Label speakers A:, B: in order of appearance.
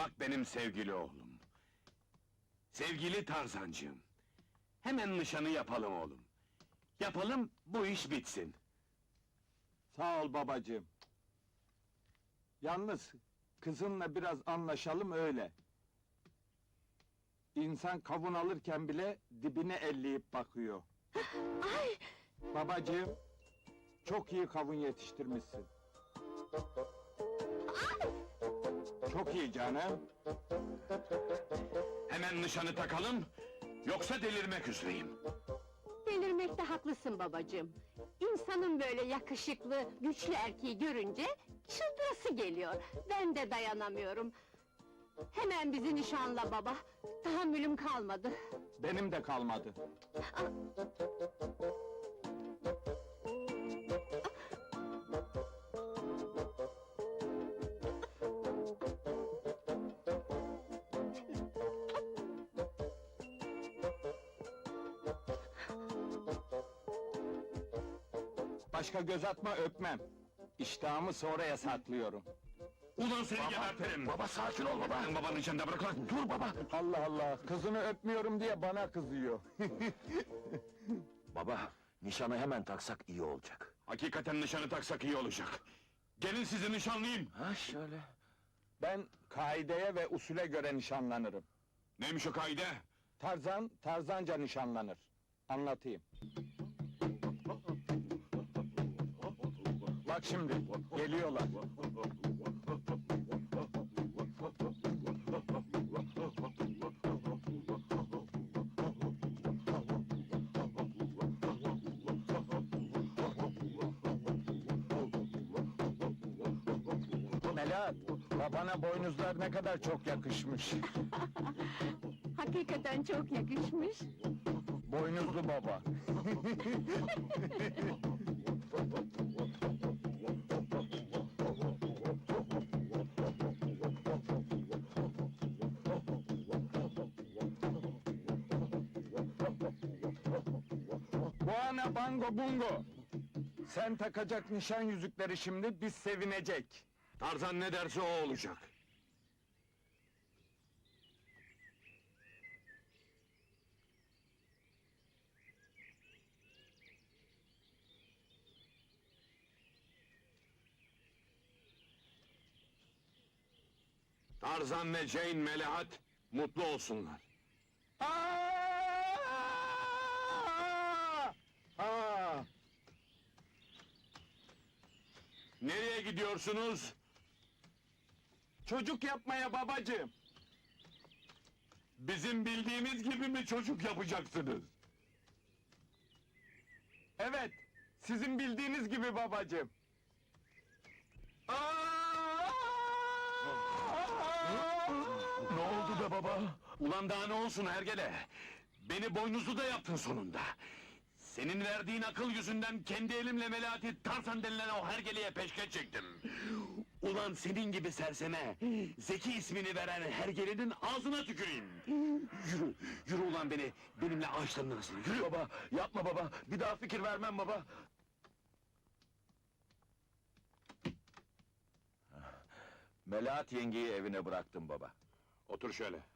A: Bak benim sevgili oğlum. Sevgili Tarzancığım. Hemen nişanı yapalım oğlum. Yapalım, bu iş bitsin.
B: Sağ ol babacığım. Yalnız kızınla biraz anlaşalım öyle. İnsan kavun alırken bile dibine elleyip bakıyor.
C: Ay!
B: Babacığım, çok iyi kavun yetiştirmişsin. Çok iyi canım.
A: Hemen nişanı takalım, yoksa delirmek üzereyim.
C: Delirmekte haklısın babacığım. İnsanın böyle yakışıklı, güçlü erkeği görünce çıldırası geliyor. Ben de dayanamıyorum. Hemen bizi nişanla baba. Tahammülüm kalmadı.
B: Benim de kalmadı. Başka göz atma, öpmem. İştahımı sonraya saklıyorum.
A: Ulan seni gebertirim! Baba sakin ol baba! Babanın içinde bırak lan, dur baba!
B: Allah Allah, kızını öpmüyorum diye bana kızıyor.
D: Baba, nişanı hemen taksak iyi olacak.
A: Hakikaten nişanı taksak iyi olacak. Gelin sizi nişanlayayım!
D: Ha şöyle.
B: Ben kaideye ve usule göre nişanlanırım.
A: Neymiş o kaide?
B: Tarzan, tarzanca nişanlanır. Anlatayım. Bak şimdi, geliyorlar. Melahat, babana boynuzlar ne kadar çok yakışmış.
C: Hakikaten çok yakışmış.
B: Boynuzlu baba. Buana bango bungo! Sen takacak nişan yüzükleri şimdi, biz sevinecek.
A: Tarzan ne derse o olacak. Tarzan ve Jane Melahat mutlu olsunlar.
B: Aa!
A: Nereye gidiyorsunuz?
B: Çocuk yapmaya babacığım.
A: Bizim bildiğimiz gibi mi çocuk yapacaksınız?
B: Evet, sizin bildiğiniz gibi babacığım.
A: Ne oldu be baba? Ulan daha ne olsun hergele? Beni boynuzlu da yaptın sonunda. Senin verdiğin akıl yüzünden kendi elimle Melahat'i Tarzan denilen o hergeleye peşkeş çektim. Ulan senin gibi serseme, Zeki ismini veren hergelenin ağzına tüküreyim. Yürü, yürü ulan benimle ağaçların arasına, yürü!
D: Baba, yapma baba, bir daha fikir vermem baba. Melahat yengeyi evine bıraktım baba.
A: Otur şöyle.